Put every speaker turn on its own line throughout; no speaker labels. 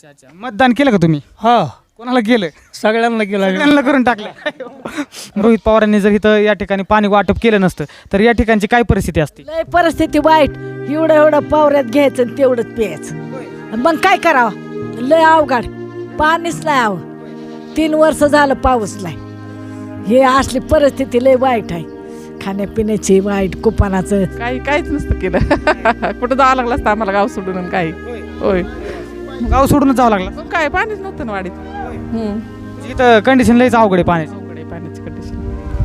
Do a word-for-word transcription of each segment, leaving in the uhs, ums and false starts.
अच्छा अच्छा मतदान केलं का तुम्ही?
हा
कोणाला केलं?
सगळ्यांना केला.
सगळ्यांना करून टाकलं. रोहित पवारांनी जर इथं या ठिकाणी पाणी वाटप केलं नसतं तर या ठिकाणची काय परिस्थिती असते?
लय परिस्थिती वाईट. एवढं एवढं पावऱ्यात घ्यायचं आणि तेवढंच प्यायचं. मग काय करावं? लय अवघड. पाणीच नाही आव. तीन वर्ष झालं पाऊस नाही. हे असली परिस्थिती लय वाईट आहे. खाण्यापिण्याची वाईट, कुपानाचं
काही काहीच नसतं केलं. कुठं जावं लागलं असतं आम्हाला गाव सोडून आणि काही. होय
गाव सोडूनच जावं लागलं.
मग काय पाणीच नव्हतं ना वाडीत.
इथं कंडिशन लयच अवघड आहे पाण्याची.
अवघड आहे पाण्याची कंडिशन.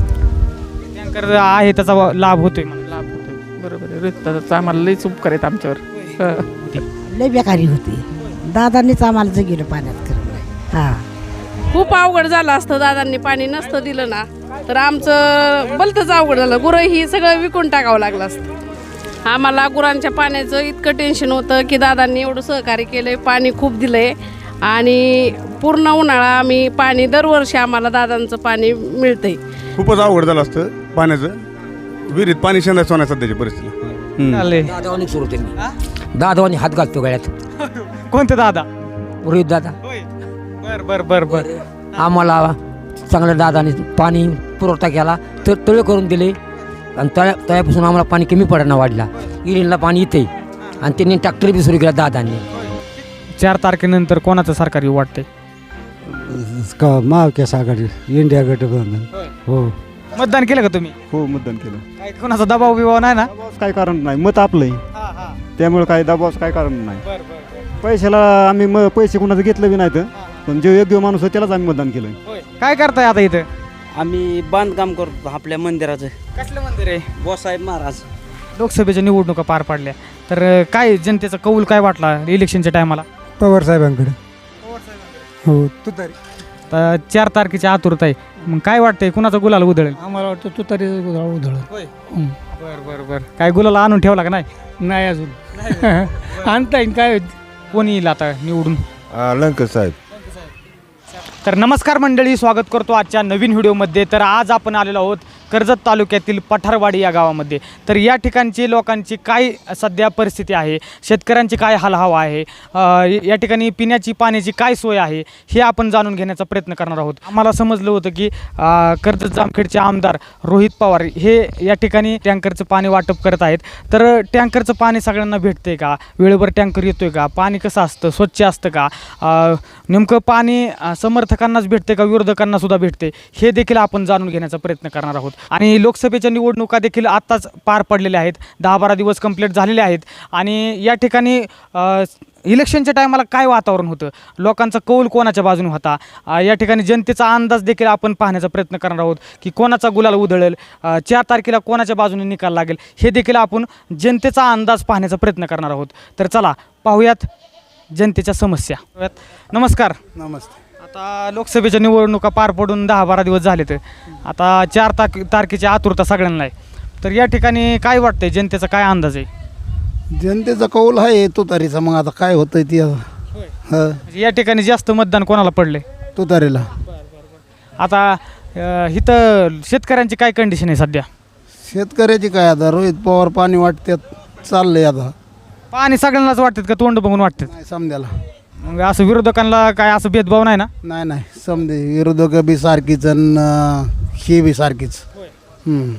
टँकर आहे त्याचा वा- लाभ होतोय म्हणून.
लाभ होतोय. बरोबर आहे. रोहित आम्हाला लईच उपकार आहेत आमच्यावर. हं.
लय बेकारी होती. दादांनीच आम्हाला जगिलं पाण्यात करून. हा
खूप अवघड झालं असतं. दादांनी पाणी नसतं दिलं ना तर आमचं भलतंच अवघड झालं. गुरं ही सगळं विकून टाकावं लागलं असतं. आम्हाला गुरांच्या पाण्याचं इतकं टेन्शन होतं की दादांनी एवढं सहकार्य केलंय, पाणी खूप दिलंय आणि पूर्ण उन्हाळा आम्ही पाणी दरवर्षी आम्हाला दादांचं पाणी मिळतंय.
खूपच अवघड झालं असतं पाण्याचं. विहिरीत पाणी शेंदायचं होण्या सध्याची परिस्थिती.
चाललंय.
दादावानी सुरू त्यांनी दादावानी हात घालतो गळ्यात.
कोणते दादा?
रोहित दादा.
बर बर बर बर.
आम्हाला चांगल्या दादाने पाणी पुरवठा केला, तर तळे करून दिले आणि तळ्या तळ्यापासून आम्हाला पाणी कमी पडायला वाढला. इरिनला पाणी येते आणि त्यांनी ट्रॅक्टर बी सुरू केला दादांनी.
चार तारखेनंतर कोणाचं सरकार येऊ वाटतंय?
महाविकास आघाडी, इंडिया गठबंधन. हो
मतदान केलं का तुम्ही?
हो मतदान केलं.
काय कोणाचा दबाव बिबाव नाही ना?
काय कारण नाही, मत आपलंही, त्यामुळे काय दबावाचं काय कारण नाही. पैशाला आम्ही म पैसे कोणाचं घेतलं बी नाही तर, पण जो योग्य माणूस आहे त्यालाच आम्ही मतदान केलं.
काय करताय आता इथं?
आम्ही बांधकाम करतो आपल्या मंदिराचं.
कसलं मंदिर आहे?
बोसाहेब महाराज.
लोकसभेच्या निवडणुका पार पाडल्या तर काय जनतेचा कौल काय वाटला इलेक्शनच्या टायमाला?
पवार साहेबांकडे. हो तू तरी
तर चार तारखेची आतुरता आहे. मग काय वाटतंय कुणाचा गुलाल उधळेल?
आम्हाला वाटतं तू तरी उधळ.
बर बर बर. काय गुलाला आणून ठेवला का नाही?
नाही अजून आणता येईल. काय
कोणी येईल आता निवडून?
लंकर साहेब.
तर नमस्कार मंडळी, स्वागत करतो आजच्या नवीन व्हिडिओमध्ये. तर आज आपण आलेलो आहोत कर्जत तालुक्यातील पठारवाडी या गावामध्ये. तर या ठिकाणची लोकांची काय सध्या परिस्थिती आहे, शेतकऱ्यांची काय हालहवा आहे, या ठिकाणी पिण्याची पाण्याची काय सोय आहे हे आपण जाणून घेण्याचा प्रयत्न करणार आहोत. आम्हाला समजलं होतं की कर्जत जामखेडचे आमदार रोहित पवार हे या ठिकाणी टँकरचं पाणी वाटप करत आहेत. तर टँकरचं पाणी सगळ्यांना भेटतंय का? वेळेवर टँकर येतोय का? पाणी कसं असतं? स्वच्छ असतं का? नेमकं पाणी समर्थकांनाच भेटते का विरोधकांना सुद्धा भेटते हे देखील आपण जाणून घेण्याचा प्रयत्न करणार आहोत. आणि लोकसभेच्या निवडणुका देखील आत्ताच पार पडलेल्या आहेत. दहा बारा दिवस कंप्लीट झालेले आहेत आणि या ठिकाणी इलेक्शनच्या टायमाला काय वातावरण होतं, लोकांचा कौल कोणाच्या बाजूने होता, या ठिकाणी जनतेचा अंदाज देखील आपण पाहण्याचा प्रयत्न करणार आहोत की कोणाचा गुलाल उधळेल, चार तारखेला कोणाच्या बाजूने निकाल लागेल हे देखील आपण जनतेचा अंदाज पाहण्याचा प्रयत्न करणार आहोत. तर चला पाहूयात जनतेच्या समस्या. नमस्कार.
नमस्ते.
आता लोकसभेच्या निवडणुका पार पडून दहा बारा दिवस झाले. तर आता चार तारखे तारखेची आतुरता सगळ्यांना आहे. तर या ठिकाणी काय वाटतंय, जनतेचा काय अंदाज आहे?
जनतेचा कौल आहे तुतारीचा. मग आता काय होतंय ती
म्हणजे या ठिकाणी जास्त मतदान कोणाला पडले?
तुतारीला.
आता अ, इथं शेतकऱ्यांची काय कंडिशन आहे सध्या?
शेतकऱ्याची काय आता रोहित पवार पाणी वाटतात चाललंय. आता
पाणी सगळ्यांनाच वाटतात का तोंड बघून वाटतात?
नाही समजायला.
मग असं विरोधकांना काय असं भेदभाव नाही ना?
नाही नाही समजे विरोधक बी सारखीच आणि ही बी सारखीच. हम्म.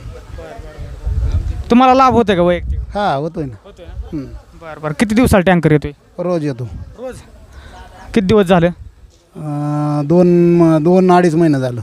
तुम्हाला लाभ होतोय का वैयक्तिक?
हा होतोय ना. हम्म.
बरं बरं. किती दिवसाला टँकर येतोय?
रोज येतो.
रोज. किती दिवस झाले?
अं, दोन दोन अडीच महिने झालं.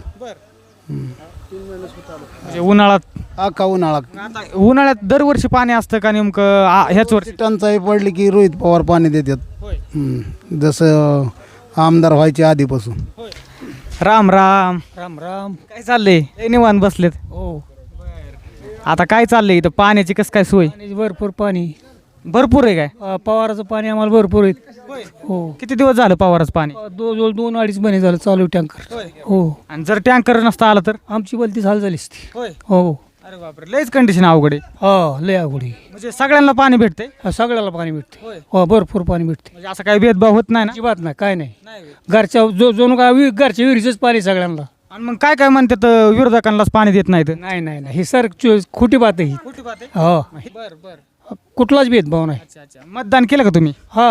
म्हणजे उन्हाळ्यात
अख्खा उन्हाळा.
आता उन्हाळ्यात दरवर्षी पाणी असतं का नेमकं आ- ह्याच वर्षी?
टंचाई पडली की रोहित पवार पाणी देतात. हम्म. जसं आमदार व्हायचे आधीपासून.
राम राम.
राम राम.
काय चाललंय? लय निवांत बसलेत.
हो
आता काय चाललंय इथं पाण्याची कसं काय सोय?
पाणी भरपूर. पाणी
भरपूर आहे काय?
अ, पवाराचं पाणी आम्हाला भरपूर आहे. हो
किती दिवस झालं पवारच पाणी?
दोन दोन अडीच महिने झालं चालू टँकर. हो
आणि जर टँकर नसता आला तर?
आमची बलतीच हाल झाली असती. हो
अरे बापरे, लयच कंडिशन अवघड आहे.
हा लय अवघडी.
म्हणजे सगळ्यांना पाणी भेटते?
सगळ्याला पाणी भेटते. हो भरपूर पाणी भेटते.
म्हणजे असं काही भेदभाव होत नाही ना?
अजिबात नाही. काय नाही. घरच्या जो जो काय वि- घरच्या विहिरीचंच पाणी सगळ्यांना.
आणि मग काय काय म्हणतात विरोधकांनाच पाणी देत नाहीत?
नाही नाही नाही. हे सर चो- खोटी बात आहे ही. हो
बर बर.
कुठलाच भेदभाव नाही.
अच्छा अच्छा. मतदान केलं का तुम्ही?
हा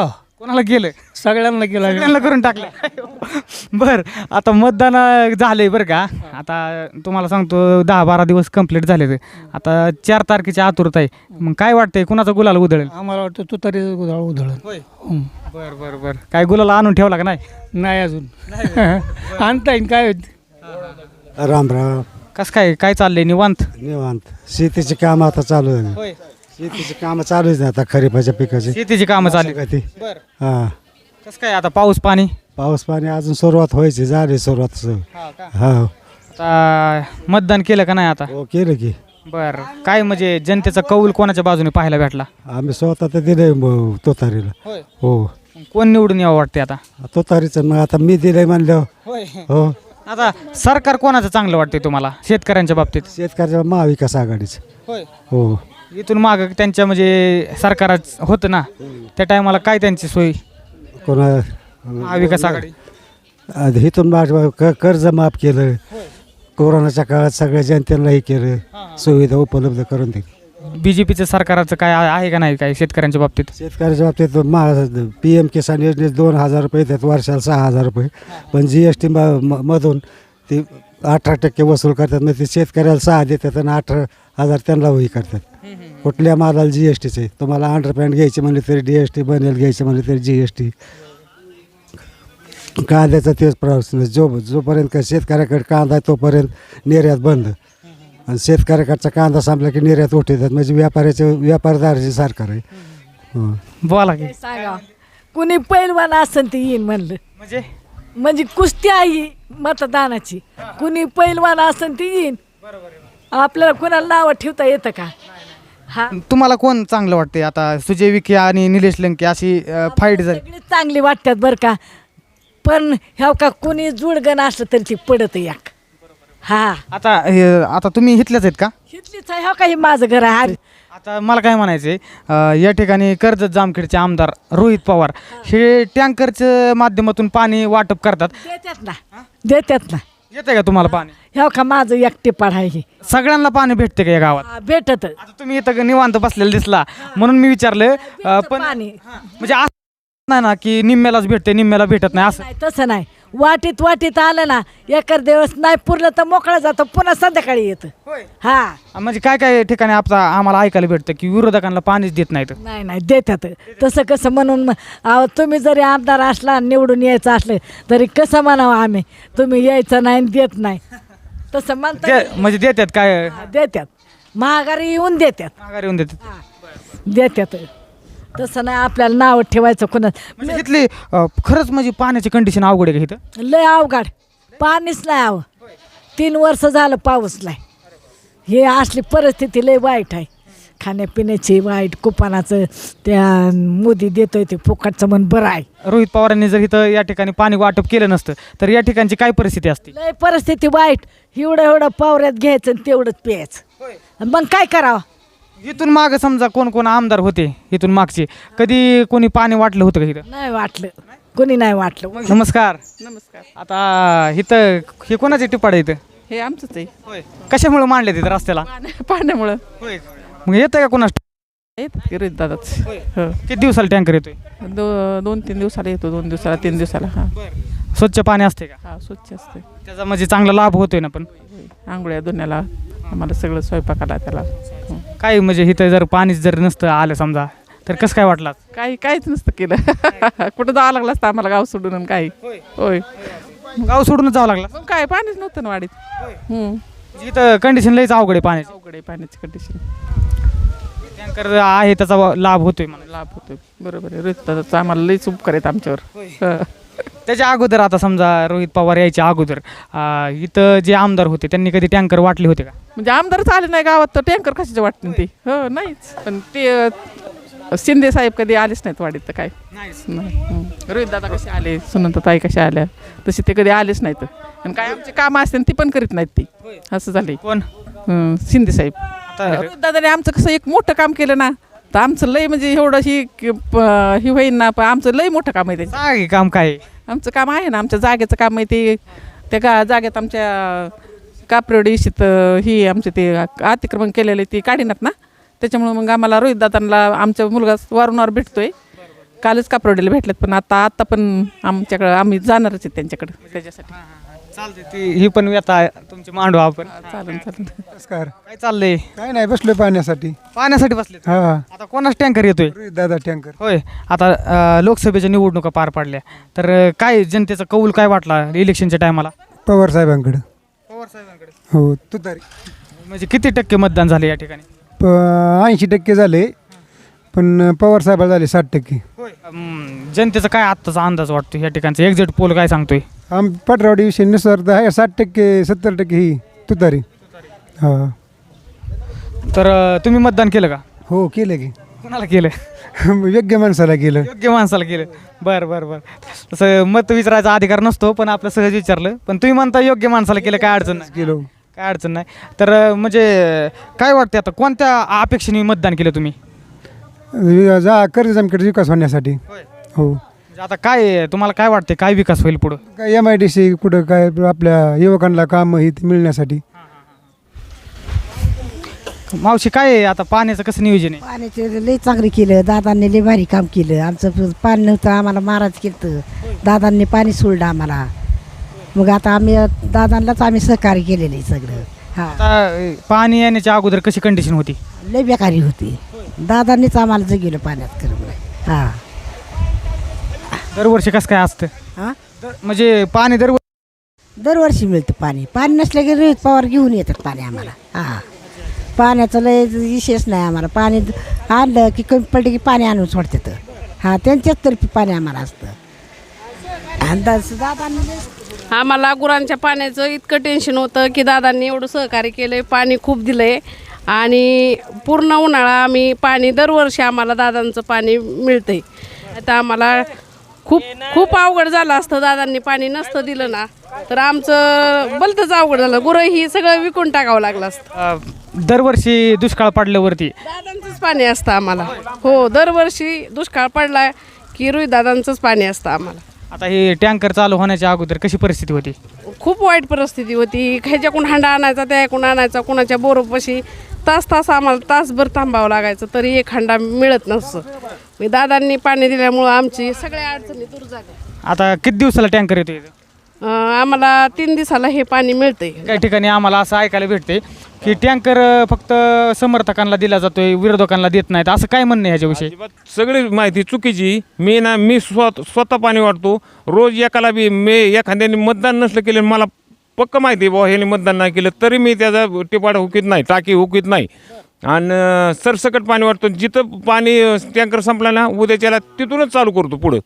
कोणाला केलं
सगळ्यांना केला
सगळ्यांना करून टाकलं बर आता मतदान अं, झालंय बरं का आता तुम्हाला सांगतो दहा बारा दिवस कंप्लीट झाले ते आता चार तारखेची आतुरता आहे मग काय वाटतंय कुणाचा गुलाल उधळेल
आम्हाला वाटतं तू तरी उधळ उधळण हं.
बर बर बर काय गुलाल आणून ठेवला का नाही
नाही अजून आणता येईन काय होत
राम राम
कसं काय काय चाललंय निवांत
निवांत शेतीची काम आता चालू आहे
होय
शेतीची कामं चालू आहे आता खरीपाच्या पिकाची
शेतीची कामं चालली
गती
बर
हा
कसं काय आता पाऊस पाणी
पाऊस पाणी अजून सुरुवात व्हायची झाली सुरुवात सु- हा
आता मतदान केलं का नाही आता
हो केलं की
बर काय म्हणजे जनतेचा कौल कोणाच्या बाजूने पाहायला भेटला
आम्ही स्वतः तर दिलंय म- तुतारीला हो
कोण निवडून यावं वाटते आता
तुतारीचं मग आता मी दिलंय म्हणल्यावर हो
आता सरकार कोणाचं चांगलं वाटतंय तुम्हाला शेतकऱ्यांच्या बाबतीत
शेतकऱ्याच्या महाविकास आघाडीचं हो
इथून माग त्यांच्या म्हणजे सरकार होतं ना त्या टायमाला काय त्यांची सोय
कोणा
महाविकास आघाडी
आधी इथून माझ क- कर्ज माफ केलं कोरोनाच्या काळात सगळ्या जनतेला हे केलं सुविधा उपलब्ध करून दिली
बीजेपीचं सरकारचं काय आहे आहे का नाही काय शेतकऱ्यांच्या बाबतीत
शेतकऱ्याच्या बाबतीत मा पी एम किसान योजनेत दोन हजार रुपये येतात वर्षाला सहा हजार रुपये पण जी एस टी मधून ते अठरा टक्के वसूल करतात मग ते शेतकऱ्याला सहा देतात आणि अठरा हजार त्यांना वही करतात कुठल्या मालाला जी एस टीचे तुम्हाला अंडरपॅन्ट घ्यायची म्हणले तरी डी एस टी बनेल घ्यायची म्हणले तरी जी एस टी कांद्याचा तेच प्रश्न जो जोपर्यंत का शेतकऱ्याकडे कांदा आहे तोपर्यंत निर्यात बंद आणि शेतकऱ्याकडचा कांदा संपला की निर्यात उठवतात म्हणजे व्यापाऱ्याचे व्यापारदाराचे सरकार आहे हो.
बोला की
सांगा कुणी पैलवान असन ते येईन म्हणलं
म्हणजे
म्हणजे कुस्ती आहे मतदानाची कुणी पैलवान असन ते येईन आपल्याला कुणाला नावं ठेवता येतं का हा
तुम्हाला कोण चांगलं वाटते आता सुजय विखे आणि निलेश लंके अशी फाईट झाली
सगळी चांगली वाटतात बरं का पण ह्या का कुणी जुडगण असलं तरी ती पडत एक हा
आता हे आता तुम्ही इथल्याच आहेत का
इथलीच आहे ह्या का हे माझं घर आहे अरे
आता मला काय म्हणायचंय अं, या ठिकाणी कर्जत जामखेडचे आमदार रोहित पवार हे टँकरच्या माध्यमातून पाणी वाटप करतात
देतात ना देतात ना
येते का तुम्हाला पाणी
ह्या का माझं एकटे आहे हे
सगळ्यांना पाणी भेटते का या गावात
हा, भेटत
आता तुम्ही इथं निवांत बसलेला दिसला म्हणून मी विचारलं अं, पण
पाणी
म्हणजे असं नाही ना की निम्म्यालाच भेटते निम्म्याला भेटत नाही असं
नाही तसं नाही वाटीत वाटीत आलं ना एकर दिवस नाही पुरलं तर मोकळं जातं पुन्हा संध्याकाळी येतं हा
म्हणजे काय काय ठिकाणी आपला आम्हाला ऐकायला भेटतं की विरोधकांना पाणीच देत नाहीत
नाही नाही देतात तसं कसं म्हणून मग अहो तुम्ही जरी आमदार असला निवडून यायचं असलं तरी कसं म्हणावं आम्ही तुम्ही यायचं नाही आणि देत नाही तसं म्हणतात
दे- म्हणजे देतात काय
देतात महागारी येऊन देतात
माघारी येऊन देतात
देतात तसं नाही आपल्याला नाव ठेवायचं कोणा
म्हणजे इथली अं, खरंच म्हणजे पाण्याची कंडिशन अवघड आहे का इथं
लय अवघड पाणीच नाही आव तीन वर्ष झालं पाऊस नाही हे असली परिस्थिती लय वाईट आहे खाण्यापिण्याची वाईट कुपानाचं त्या मोदी देतोय ते फुकटचं म्हण बरं आहे
रोहित पवारांनी जर इथं या ठिकाणी पाणी वाटप केलं नसतं तर या ठिकाणची काय परिस्थिती असते
लय परिस्थिती वाईट एवढं एवढं पावऱ्यात घ्यायचं आणि तेवढंच प्यायचं मग काय करावं
इथून मागं समजा कोण कोण आमदार होते इथून मागचे कधी कोणी पाणी वाटलं होतं का इथं
नाही वाटलं कोणी नाही वाटलं
नमस्कार
नमस्कार
आता इथं हे कोणाचे टिपाड इथं
हे आमचंच आहे
होय कशामुळे मांडले तिथं रस्त्याला
पाण्या पाण्यामुळं
होय मग येतं का कोणास
येतात की रोहित दादाच हो
किती दिवसाला टँकर येतोय
दो दोन तीन दिवसाला येतो दोन दिवसाला तीन दिवसाला हां
स्वच्छ पाणी असते का
हा स्वच्छ असते
त्याचा म्हणजे चांगला लाभ होतोय ना पण
आंघोळ्या धुण्याला आम्हाला सगळं स्वयंपाकाला त्याला हो.
काय म्हणजे इथं जर पाणीच जर नसतं आलं समजा तर कसं काय वाटलं
काही काहीच नसतं केलं कुठं जावं लागलं असतं आम्हाला गाव सोडून आणि काही होय
गाव सोडूनच जावं लागलं
मग काय पाणीच नव्हतं ना वाडीत हम्म.
म्हणजे इथं कंडिशन लईच अवघड आहे पाण्याची
अवघड आहे पाण्याची कंडिशन
टँकर आहे त्याचा वा- लाभ होतोय म्हणून
लाभ होतोय बरोबर आहे रोहित दादाचं आम्हाला लईच उपकार आहेत आमच्यावर हं.
त्याच्या अगोदर आता समजा रोहित पवार यायच्या अगोदर अं, इथं जे आमदार होते त्यांनी कधी टँकर वाटले होते का
म्हणजे आमदारच आले नाही गावात तर टँकर कशाचे वाटते ते हो नाहीच पण ते अ, शिंदे साहेब कधी आलेच नाहीत वाडीत तर काय नाही रोहित दादा कसे आले सुनंदाताई कशा आल्या तसे ते कधी आलेच नाहीत आणि काय आमचे कामं असते ती पण करीत नाहीत ती असं झालंय
कोण
हं, शिंदे साहेब रोहित दादाने आमचं कसं एक मोठं काम केलं ना तर आमचं लय म्हणजे एवढं ही प- ही होईन ना पण आमचं लय मोठं काम आहे त्याचं
सांग काम काय आहे?
आमचं काम आहे ना आमच्या जागेचं काम आहे ते त्या गा जागेत आमच्या कापरेवडी इशित ही आमचे ते अतिक्रमण केलेले ते काढीनात ना त्याच्यामुळं मग आम्हाला रोहित दादांना आमचा मुलगा वारंवार भेटतोय कालच कापरोडीला भेटलेत, पण आता आता पण आमच्याकडं आम्ही जाणारच आहेत त्यांच्याकडे त्याच्यासाठी.
चालते ती ही पण व्यथा आहे तुमची मांडू आपण.
चालेल चालेल.
नमस्कार.
काय चाललंय?
काय नाही बसलोय पाण्यासाठी.
पाण्यासाठी बसले
हा
आता कोणाच टँकर येतोय?
दादा टँकर.
होय. आता अं, लोकसभेच्या निवडणुका पार पाडल्या तर अं, काय जनतेचा कौल काय वाटला इलेक्शनच्या टायमाला?
पवार साहेबांकडे.
पवार साहेबांकडे.
हो तुतारी.
म्हणजे किती टक्के मतदान झाले या ठिकाणी?
प ऐंशी टक्के झाले, पण पवार साहेबाला झाले साठ टक्के.
अं, जनतेचा काय आत्ताचा अंदाज वाटतो या ठिकाणचा एक्झिट पोल काय सांगतोय?
आम पटरावडी विषय नुसार तर आहे साठ टक्के सत्तर टक्के ही तुतारी. हा
तर अं, तुम्ही मतदान केलं का?
हो केलं की.
कोणाला केलं?
योग्य माणसाला केलं.
योग्य माणसाला केलं. बरं बरं बरं. तसं मत विचारायचा अधिकार नसतो, पण आपलं सहज विचारलं. पण तुम्ही म्हणता योग्य माणसाला केलं, काय अडचण नाही.
केलो.
काय अडचण नाही. तर अं, म्हणजे काय वाटते आता कोणत्या अपेक्षेने मतदान केलं तुम्ही?
जा कर्ज आमकडे विकास होण्यासाठी. हो.
म्हणजे आता काय तुम्हाला काय वाटते काय विकास होईल पुढं?
काय एम आय डी सी कुठं काय आपल्या युवकांना काम ही मिळण्यासाठी.
मावशी काय आहे आता पाण्याचं कसं नियोजन आहे?
पाण्याचे लई चांगलं केलं दादांनी, लई भारी काम केलं. आमचं पाणी नव्हतं, आम्हाला महाराज केलं, दादांनी पाणी सोडलं आम्हाला. मग आता आम्ही दादांनाच आम्ही सहकार्य केलेलं आहे सगळं. हा
आता अं, पाणी येण्याच्या अगोदर कशी कंडिशन होती?
लई बेकारी होती. दादांनीच आम्हाला जगवलं पाण्यात करून. हा
दरवर्षी कसं काय असतं?
हा
म्हणजे पाणी दर
दरवर्षी मिळतं पाणी. पाणी नसलं की रोहित पवार घेऊन येतात पाणी आम्हाला. हा पाण्याचं लय विशेष नाही आम्हाला. पाणी आणलं की कमी पडलं की पाणी आणून सोडतात. हा त्यांच्याच तर्फे पाणी आम्हाला असतं. आणि दा- दादांनी लय-
आम्हाला गुरांच्या पाण्याचं इतकं टेन्शन होतं की दादांनी एवढं सहकार्य केलं आहे, पाणी खूप दिलं आहे. आणि पूर्ण उन्हाळा आम्ही पाणी दरवर्षी आम्हाला दादांचं पाणी मिळतं आहे. आता आम्हाला खूप खूप अवघड झालं असतं, दादांनी पाणी नसतं दिलं ना तर आमचं भलतंच अवघड झालं. गुरं ही सगळं विकून टाकावं लागलं असतं.
अं, दरवर्षी दुष्काळ पडल्यावरती
दादांचंच पाणी असतं आम्हाला. हो दरवर्षी दुष्काळ पडला की रोहित दादांचंच पाणी असतं आम्हाला.
आता हे टँकर चालू होण्याच्या अगोदर कशी परिस्थिती होती?
खूप वाईट परिस्थिती होती. ह्याच्याकडून हांडा आणायचा, त्याकडून आणायचा, कुणाच्या बोरोपाशी तास तास आम्हाला तासभर थांबावं लागायचं, तरी एक हांडा मिळत नसतं. मी दादांनी पाणी दिल्यामुळं आमची सगळ्या अडचणी दूर झाल्या.
आता किती दिवसाला टँकर येतो इथं?
अं, आम्हाला तीन दिवसाला हे पाणी मिळतंय.
काही ठिकाणी आम्हाला असं ऐकायला भेटते की टँकर फक्त समर्थकांना दिला जातोय, विरोधकांना देत नाहीत, असं काय म्हणणं आहे ह्याच्याविषयी?
सगळी माहिती चुकीची. मी ना मी स्वत स्वतः पाणी वाटतो रोज. एकाला बी मी एखाद्याने मतदान नसलं केलं, मला पक्क माहिती आहे बाबा ह्याने मतदान नाही केलं, तरी मी त्याचा टिपाड हुकीत नाही, टाकी हुकीत नाही. आणि सरसकट पाणी वाटतो. जिथं पाणी टँकर संपला ना उद्याच्याला तिथूनच चालू करतो पुढं.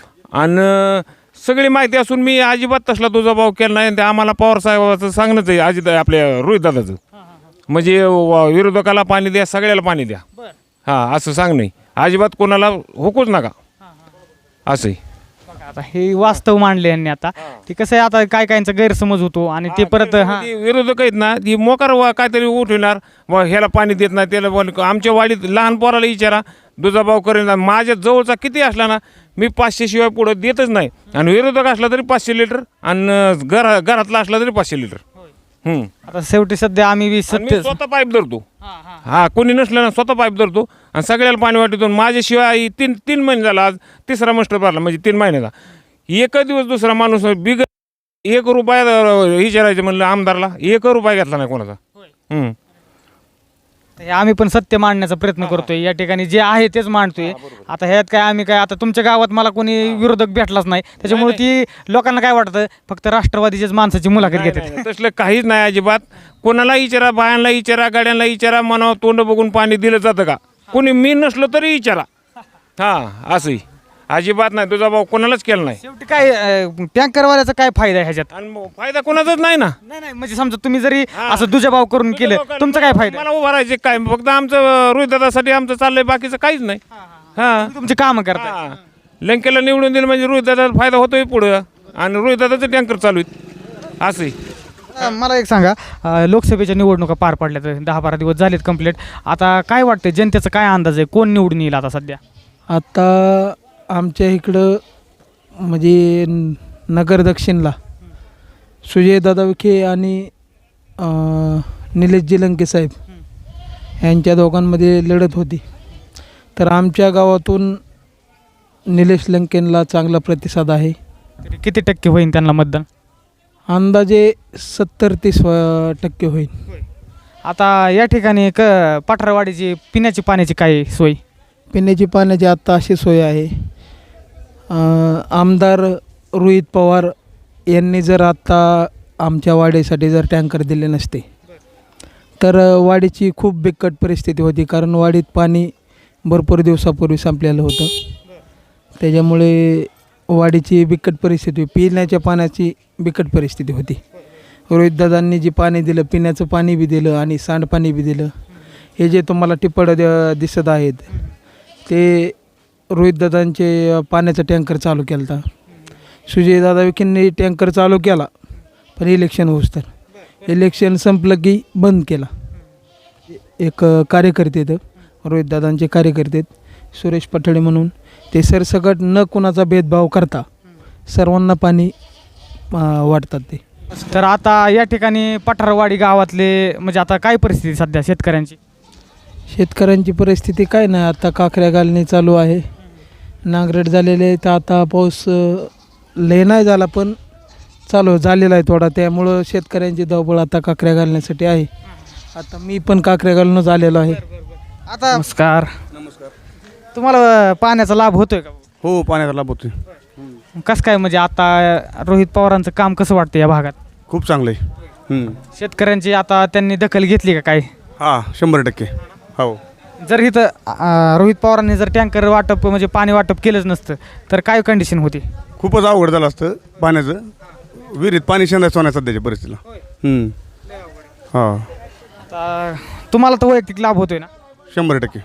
आणि सगळी माहिती असून मी अजिबात तसला तुझा भाव केला नाही. ते आम्हाला पवार साहेबाचं सांगणंच आहे, अजित आपल्या रोहित दादाचं. म्हणजे व- विरोधकाला पाणी द्या, सगळ्याला पाणी द्या, हां असं सांग नाही. अजिबात कोणाला हुकूच नका असंही.
आता हे वास्तव मांडले यांनी. आता ते कसं आहे, आता काय काहींचा गैरसमज होतो आणि ते परत हा
ते विरोधक आहेत ना, ती मोकार वा काहीतरी उठवणार, वा ह्याला पाणी देत नाही त्याला. बोल आमच्या वाडीत लहान पोराला विचारा, दुजाभाव करेन. माझ्या जवळचा किती असला ना मी पाचशे शिवाय पुढं देतच नाही. आणि विरोधक असला तरी पाचशे लिटर, आणि घरा घरातला असला तरी पाचशे लिटर. हम्म.
आता शेवटी सध्या आम्ही बी
आणि मी
सत्य
स्वतः पाईप धरतो. हा कोणी नसलं ना स्वतः पाईप धरतो आणि सगळ्याला पाणी वाटतो. माझ्याशिवाय तीन तीन महिने झाला, आज तिसरा मस्टर भरला म्हणजे तीन महिन्याचा. एक दिवस दुसरा माणूस बिग एक रुपया विचारायचं म्हणलं आमदारला, एक रुपया घेतला नाही कोणाचा. हम्म.
हे आम्ही पण सत्य मांडण्याचा प्रयत्न करतोय. या ठिकाणी जे आहे तेच मांडतोय. आता ह्यात काय आम्ही काय, आता तुमच्या गावात मला कोणी विरोधक भेटलाच नाही, त्याच्यामुळे ती लोकांना काय वाटतं फक्त राष्ट्रवादीच्याच माणसाची मुलाखत घेतात.
तसलं काहीच नाही अजिबात. कोणाला विचारा, बायांना विचारा, गाड्यांना विचारा, मनावर तोंड बघून पाणी दिलं जातं का? कोणी मी नसलो तरी विचारा. हा असंही अजिबात नाही. तुझा भाऊ कोणालाच केला नाही.
शेवटी काय टँकरवाल्याचा काय फायदा आहे ह्याच्यात?
आणि मग फायदा कोणाचाच नाही ना.
नाही नाही म्हणजे समजा तुम्ही जरी असं दुजाभाव करून केलं, तुमचा काय फायदा?
मला उभा राहायचे काय, फक्त आमचं रोहितदादासाठी आमचं चाललंय, बाकीचं काहीच नाही. हा
तुमची कामं करता.
हा. लंकेला निवडून दिलं म्हणजे रोहितदादाला फायदा होतोय पुढं, आणि रोहितदादाचं टँकर चालू आहेत असंही.
अ, मला एक सांगा, अ, लोकसभेच्या निवडणुका पार पडल्या तर दहा बारा दिवस झालेत कंप्लीट. आता काय वाटतं जनतेचा काय अंदाज आहे, कोण निवडून येईल आता सध्या?
आता आमच्या इकडं म्हणजे न- नगर दक्षिणला सुजयदादा विखे आणि अं, निलेशजी लंके साहेब यांच्या दोघांमध्ये लढत होती. तर आमच्या गावातून निलेश लंकेनला चांगला प्रतिसाद आहे.
तरी किती टक्के होईल त्यांना मतदान?
अंदाजे सत्तर ते स्व टक्के होईल.
आता या ठिकाणी क पठारवाडीची पिण्याची पाण्याची काय सोय?
पिण्याची पाण्याची आत्ता अशी सोय आहे. अं, आमदार रोहित पवार यांनी जर आत्ता आमच्या वाडीसाठी जर टँकर दिले नसते तर वाडीची खूप बिकट परिस्थिती होती. कारण वाडीत पाणी भरपूर दिवसापूर्वी संपलेलं होतं. त्याच्यामुळे वाडीची बिकट परिस्थिती, पिण्याच्या पाण्याची बिकट परिस्थिती होती. रोहितदादांनी जी पाणी दिलं, पिण्याचं पाणी बी दिलं आणि सांडपाणी बी दिलं. हे जे तुम्हाला टिपड द- दिसत आहेत ते रोहितदादांचे पाण्याचा टँकर चालू केला होता. सुजयदादा विखेंनी टँकर चालू केला पण इलेक्शन होऊस तर इलेक्शन संपलं की बंद केला. एक कार्यकर्ते आहेत रोहितदादांचे कार्यकर्ते सुरेश पठाडे म्हणून, ते सरसकट न कुणाचा भेदभाव करता सर्वांना पाणी अं, वाटतात ते.
तर आता या ठिकाणी पठारवाडी गावातले म्हणजे आता काय परिस्थिती सध्या शेतकऱ्यांची?
शेतकऱ्यांची परिस्थिती काय नाही, आता काकऱ्या घालणे चालू आहे. नांगरट झालेले आहे तर आता पाऊस अं, लय नाही झाला पण चालू झालेला आहे थोडा. त्यामुळं शेतकऱ्यांची धावपळ आता काकऱ्या घालण्यासाठी आहे. आता मी पण काकऱ्या घालूनच आलेलो आहे.
आता नमस्कार. तुम्हाला पाण्याचा लाभ होतोय का?
हो, पाण्याचा लाभ होतोय.
कसं काय म्हणजे आता रोहित पवारांचं काम कसं वाटतं या भागात?
खूप चांगलं आहे. हम्म.
शेतकऱ्यांची आता त्यांनी दखल घेतली का काय?
हा, शंभर टक्के. हो.
जर इथं अं, रोहित पवारांनी जर टँकर वाटप म्हणजे पाणी वाटप केलंच नसतं तर काय कंडिशन होती?
खूपच अवघड झालं असतं पाण्याचं. विहिरीत पाणी शेंदायचं होण्याचं सध्याच्या परिस्थितीला. हम्म. हा,
आता तुम्हाला तर वैयक्तिक लाभ होतोय ना?
शंभर टक्के.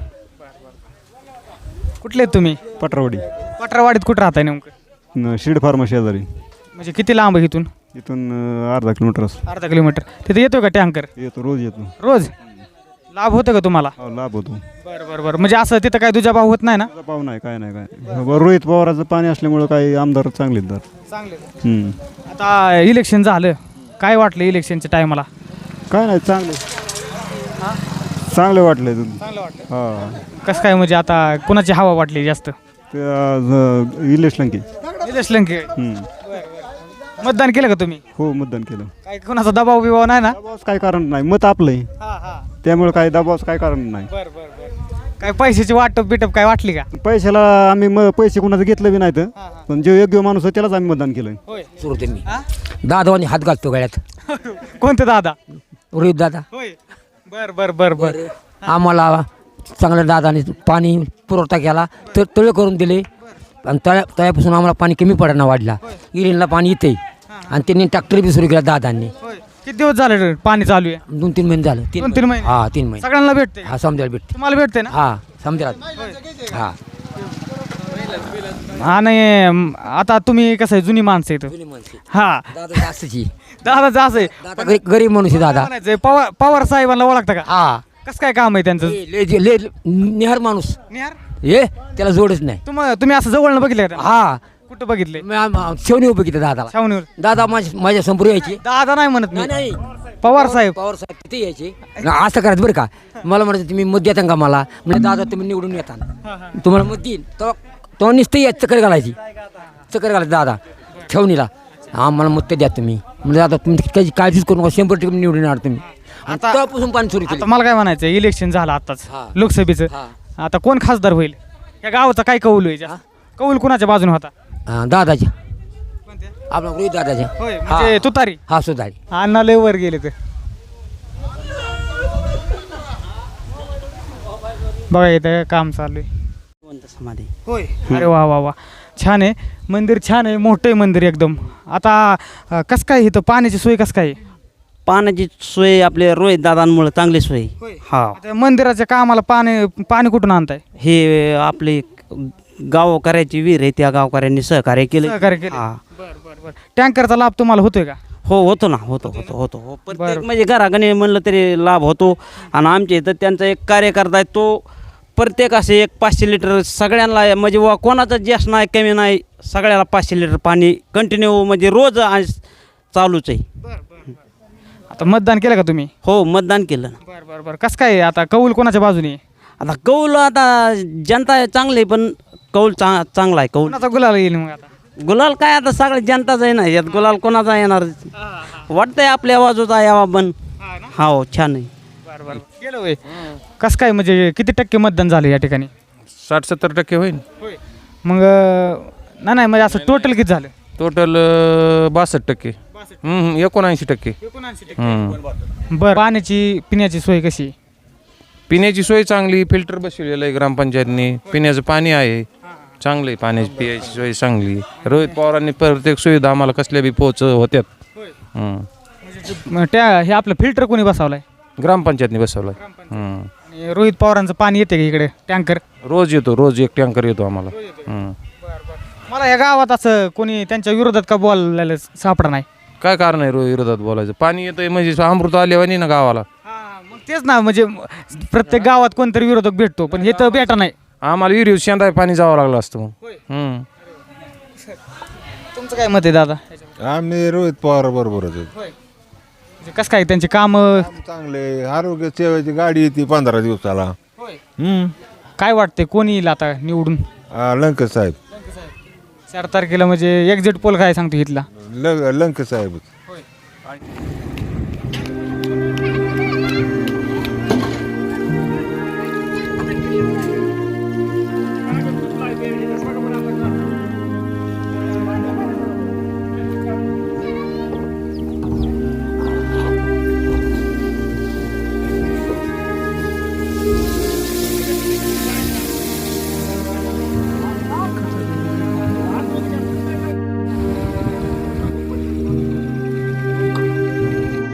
कुठले आहेत तुम्ही?
पटरावडी.
पठारवाडीत कुठं राहताय नेमकं?
न शिड फार्मा शेजारी.
म्हणजे किती लांब आहे इथून?
इथून अं, अर्धा किलोमीटर असं.
अर्धा किलोमीटर. तिथे येतो का टँकर?
येतो, रोज येतो.
रोज लाभ होतं का तुम्हाला?
हो, लाभ होतो.
बरं बरं बरं. म्हणजे असं तिथं काय तुझा भाव होत नाही ना?
तुझा पाव नाही, काय नाही, काय बरं, रोहित पवाराचं पाणी असल्यामुळं काही आमदार चांगले आहेत तर.
चांगले.
हम्म.
आता इलेक्शन झालं, काय वाटलं इलेक्शनच्या टायमाला?
काय नाही, चांगले चांगले वाटले.
चांगलं वाटलं.
हा,
कसं काय म्हणजे आता कुणाची हवा वाटली जास्त?
ते आज इलेश लंके.
निलेश लंके.
हम्म.
मतदान केलं का तुम्ही?
हो, मतदान केलं.
काय कुणाचा दबाव बिबाव नाही ना?
दबावाचं काय कारण नाही, मत आपलं आहे.
हा हा.
त्यामुळे काय दबावाचं काय कारण नाही.
बरं बरं बरं. काय पैशाची वाटप बिटप काय वाटली का?
पैशाला आम्ही म पैसे कोणाचं घेतलं बी नाही तर, पण जो योग्य माणूस आहे त्यालाच आम्ही मतदान केलं.
होय.
सुरू ते मी दादावानी हात घालतो गळ्यात.
कोणते दादा?
रोहित दादा.
होय. बर बर बर बर.
आम्हाला चांगल्या दादाने पाणी पुरवठा केला, तर तळे करून दिले आणि तळ्या तळ्यापासून आम्हाला पाणी कमी पडायला वाढला. इरिनला पाणी येते आणि त्यांनी ट्रॅक्टर बी सुरू केला दादांनी.
होय. किती दिवस झाले रे पाणी चालू आहे?
दोन तीन महिने झालं.
दोन तीन महिने?
हा, तीन महिने.
सगळ्यांना भेटते?
हा, समजायला भेटते.
तुम्हाला भेटते ना?
हा, समजायला. हा.
आणि म, आता तुम्ही कसं आहे जुनी माणसं येतं. हा.
दादा जास्तची.
दादा जास्त आहे.
दादा गरीब गरीब माणूस आहे दादा.
म्हणायचंय, पवार पवार साहेबांना ओळखता का?
हा.
कसं काय काम आहे त्यांचं?
ले ले- ले निहार माणूस
निहार?
ये त्याला जोडच नाही.
तुम तुम्ही असं जवळनं बघितलं का?
हा,
कुठं बघितले?
शेवणी उभं किती दादाला.
छावणीवर.
दादा माझ्या माझ्या संपूर यायचे.
दादा नाही म्हणत मी.
नाही
पवार साहेब.
पवार साहेब तिथे यायचे. असं करायचं बरं का. मला म्हणायचं तुम्ही मत देता का मला? म्हणजे दादा तुम्ही निवडून येता तुम्हाला मत देईन. तो तो नुसतं यायचं चक्कर घालायची. चक्कर घालायचं दादा छावणीला. हा, मला मत द्या तुम्ही. म्हणजे दादा तुम्ही काही काळजीच करू नका, शंभर टक्के निवडून येणार तुम्ही.
आता-
तेव्हापासून पाणी सुरू
आता
केलं.
मला काय म्हणायचं, इलेक्शन झालं आताच
हा.
लोकसभेचं.
हा.
आता कोण खासदार होईल या गावाचा? काय कौल होईल जास्त? कौल कुणाच्या बाजूने होता?
हा, दादाच्या आपला रोहित दादाच्या.
होय, म्हणजे तुतारी.
हा, सुधारी.
अण्णा लय वर गेले तर बघा इथं काम चालू आहे.
समाधी.
होय. अरे वा वा वा, छान आहे मंदिर, छान आहे, मोठं आहे मंदिर एकदम. आता अं, कसं काय इथं पाण्याची सोय कसं काय आहे?
पाण्याची सोय आपल्या रोहित दादांमुळे चांगली सोय. हा,
आता मंदिराच्या कामाला पाणी पाणी कुठून आणताय?
हे आपले गावकऱ्याची विहीर आहे, त्या गावकऱ्यांनी सहकार्य केलं.
सहकार्य केलं.
हा.
बरं बरं बरं. टँकरचा लाभ तुम्हाला होतोय का?
हो, होतो ना, होतो होतो होतो हो. प्रत्येक
बरं.
म्हणजे घराघणी म्हणलं तरी लाभ होतो. आणि आमच्या इथं त्यांचा एक कार्यकर्ता आहे, तो प्रत्येक असे एक पाचशे लिटर सगळ्यांना, म्हणजे वा कोणाचं जास्त नाही कमी नाही, सगळ्याला पाचशे लिटर पाणी कंटिन्यू म्हणजे रोज आज चालूच आहे.
आता मतदान केलं का तुम्ही?
हो, मतदान केलं ना.
बरं बरं बरं. कसं काय आता कौल कोणाच्या बाजूने?
आता कौल आता जनता चांगली आहे, पण कौल चा चांगला आहे कौल.
कोणाचा गुलाल येईल मग आता?
गुलाल काय आता सगळे जनताच आहे ना, यात गुलाल कोणाचा येणार वाटतंय आपल्या बाजूचा यावा पण. हो छान आहे.
बरं बरं गेलं होय. कसं काय म्हणजे किती टक्के मतदान झालं या ठिकाणी?
साठ सत्तर टक्के होईल.
मग अं, नाही नाही म्हणजे असं टोटल किती झालं?
टोटल बासष्ट टक्के एकोणऐंशी टक्के. हम्म.
बरं पाण्याची पिण्याची सोय कशी?
पिण्याची सोय चांगली, फिल्टर बसवलेलं आहे ग्रामपंचायतनी, पिण्याचं पाणी आहे चांगलं आहे, पाण्याची पिण्याची सोय चांगली. रोहित पवारांनी प्रत्येक सुविधा आम्हाला कसल्या बी पोच होत्यात. हम्म.
मग त्या हे आपलं फिल्टर कोणी बसवलाय?
ग्रामपंचायतनी बसवलं आहे.
आणि रोहित पवारांचं पाणी येते का इकडे टँकर?
रोज येतो, रोज एक टँकर येतो आम्हाला. हम्म.
मला या गावात असं कोणी त्यांच्या विरोधात का बोलायला सापडा नाही.
काय कारण आहे रोज विरोधात बोलायचं? पाणी येतंय म्हणजे अमृत आलेवानी ना गावाला.
मग तेच ना, म्हणजे प्रत्येक गावात कोणतरी विरोधक भेटतो, पण हे तर भेटा नाही.
आम्हाला विहिरीवर शेंदा पाणी जावं लागलं असतं मग. हम्म.
तुमचं काय मत आहे दादा?
आम्ही रोहित पवार बरोबरच आहे.
म्हणजे कसं काय त्यांची कामं
चांगले, आरोग्य सेवेची गाडी येते पंधरा दिवसाला. हम्म.
काय वाटते कोणी येईल आता निवडून?
हा, लंके साहेब.
चार तारखेला म्हणजे एक्झिट पोल काय सांगतो इथला?
ल लंके साहेब.